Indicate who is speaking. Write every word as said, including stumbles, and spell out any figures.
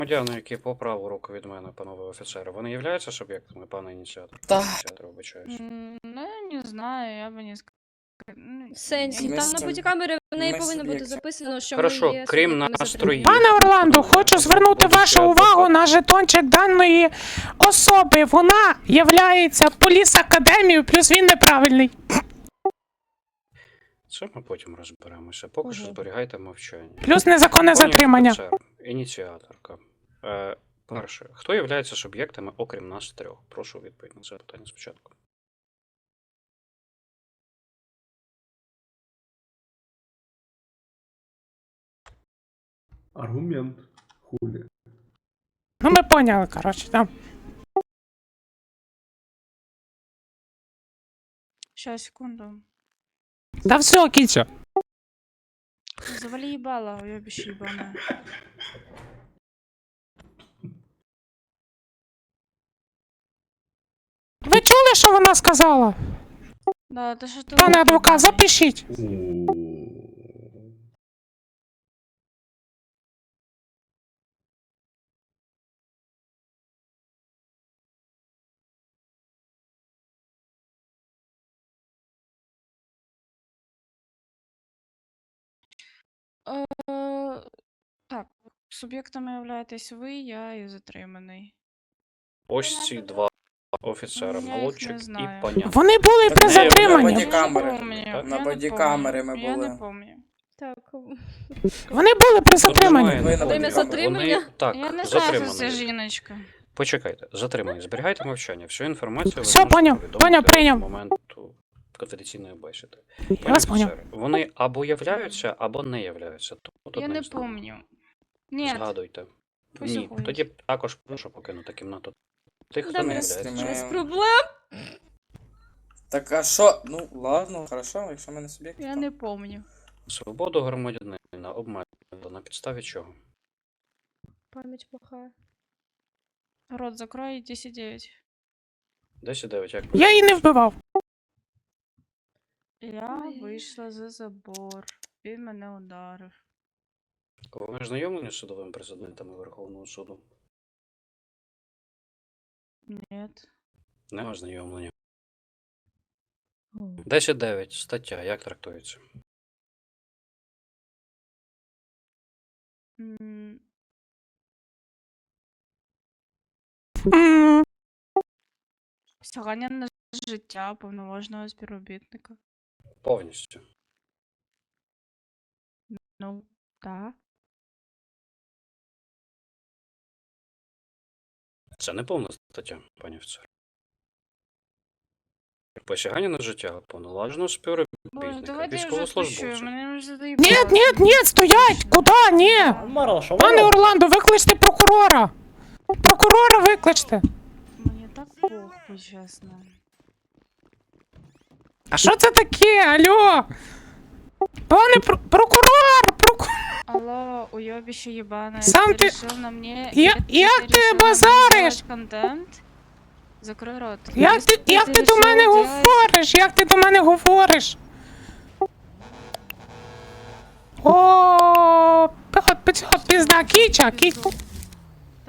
Speaker 1: Громадяни, які по праву руку від мене, панове офіцери, вони являються суб'єктами, пане ініціатор?
Speaker 2: Так.
Speaker 1: Ініціатор, вибачаюсь.
Speaker 3: М, Ну, я не знаю, я бы не сказала.
Speaker 4: В сенсі,
Speaker 2: Ми
Speaker 4: там
Speaker 2: з
Speaker 4: на
Speaker 2: цим-
Speaker 4: бодікамері в неї
Speaker 2: ми
Speaker 4: повинно бути
Speaker 2: суб'єкти.
Speaker 4: записано, що
Speaker 1: Хорошо,
Speaker 4: ми є
Speaker 1: крім
Speaker 4: суб'єктами
Speaker 1: настрої.
Speaker 4: затримання.
Speaker 5: Пане Орландо, хочу звернути вашу увагу на жетончик даної особи. Вона являється поліс-академією, плюс він неправильний.
Speaker 1: Це ми потім розберемося. Поки що
Speaker 4: Ага.
Speaker 1: зберігайте мовчання.
Speaker 5: Плюс незаконне
Speaker 1: Пані
Speaker 5: затримання.
Speaker 1: офіцер, ініціаторка. Е, перше, хто є суб'єктами, окрім нас трьох? Прошу відповідь на це питання спочатку.
Speaker 6: Аргумент. Хулі.
Speaker 5: Ну, ми поняли, коротше, там.
Speaker 3: Сейчас, секунду.
Speaker 5: Да все, кінчу.
Speaker 3: Завали ебало, уебище ебаное.
Speaker 5: Ви чули, що вона сказала?
Speaker 3: Да, это что-то...
Speaker 5: Пане адвокат, запишіть.
Speaker 3: Е, Так, суб'єктами являєтесь ви, я і затриманий.
Speaker 1: Ось ці два офіцери,
Speaker 3: Я їх не
Speaker 1: молодчик і
Speaker 3: знаю.
Speaker 1: паня.
Speaker 5: Вони були
Speaker 2: Так
Speaker 5: при
Speaker 2: не,
Speaker 5: затриманні.
Speaker 2: на
Speaker 3: Я не
Speaker 2: бодікамери.
Speaker 3: помню,
Speaker 1: Так?
Speaker 2: На
Speaker 3: я не
Speaker 2: бодікамери
Speaker 3: помню,
Speaker 2: ми
Speaker 3: Я
Speaker 2: були.
Speaker 3: не помню.
Speaker 4: Так,
Speaker 5: Вони були при затриманні.
Speaker 1: Немає
Speaker 2: Ви на
Speaker 1: нікого.
Speaker 4: Время
Speaker 2: бодікамері.
Speaker 4: затримання?
Speaker 1: Вони, так,
Speaker 3: Я не знаю, що це
Speaker 1: затримані.
Speaker 3: жіночка.
Speaker 1: Почекайте, затримані. Зберігайте мовчання. Всю інформацію ви
Speaker 5: Все,
Speaker 1: зможете
Speaker 5: поняв,
Speaker 1: повідомити
Speaker 5: поняв, прийняв.
Speaker 1: з моменту конфіденційної бесіди.
Speaker 5: Я
Speaker 1: Пані
Speaker 5: вас поняв.
Speaker 1: офіцери, вони або являються, або не являються. Тут
Speaker 3: Я
Speaker 1: одне
Speaker 3: не
Speaker 1: з двох.
Speaker 3: помню. Нет,
Speaker 1: Згадуйте.
Speaker 3: Пусть
Speaker 1: Ні,
Speaker 3: уходять.
Speaker 1: тоді також прошу покинути кімнату. Тих, хто
Speaker 4: Да,
Speaker 1: не
Speaker 2: ми
Speaker 1: являється.
Speaker 2: знімаємо.
Speaker 4: без проблем.
Speaker 2: Так а що? Ну, ладно, хорошо, якщо ми не суб'єкти.
Speaker 3: я
Speaker 2: то-
Speaker 3: не помню.
Speaker 1: Свободу громадянина обмежено на підставі чого?
Speaker 4: Пам'ять плохая.
Speaker 3: Рот закрой, десять девять.
Speaker 1: десять дев'ять, як
Speaker 5: Я її не вбивав.
Speaker 3: Я
Speaker 4: Ой.
Speaker 3: вийшла за забор. Він мене ударив.
Speaker 1: ви знайомлені з судовим президентами Верховного суду?
Speaker 3: Нет.
Speaker 1: Не ознайомлені. десять дев'ять, стаття, як трактується?
Speaker 3: М,
Speaker 5: М,
Speaker 3: Посягання на життя повноважного співробітника.
Speaker 1: Повністю.
Speaker 3: Ну, так.
Speaker 1: Це не повна стаття, пані офіцер. Посягання на життя повноваженого
Speaker 3: Боже,
Speaker 1: співробітника,
Speaker 3: давайте я вже спущу,
Speaker 1: військовослужбовця.
Speaker 3: мене вже
Speaker 5: Ні,
Speaker 3: заїбало.
Speaker 5: ні, ні, стоять! Куди? Ні! Пане Орландо, викличте прокурора! Прокурора викличте!
Speaker 3: Мені так похуй, чесно.
Speaker 5: А що це таке? Алло? Пане пр- прокурор! Прокурор!
Speaker 3: Алло, уёбище ебаное,
Speaker 5: Сам
Speaker 3: ты
Speaker 5: ты-
Speaker 3: решил на мне...
Speaker 5: Я-
Speaker 3: ты
Speaker 5: як ти
Speaker 3: решил на мне
Speaker 5: базариш?
Speaker 3: делать контент? Закрой рот.
Speaker 5: Як
Speaker 3: Если
Speaker 5: ти, як ти до
Speaker 3: решил
Speaker 5: мене
Speaker 3: делать-
Speaker 5: говориш? Як ти до мене говориш? О, пі- пі- пізда, кіча, кіча.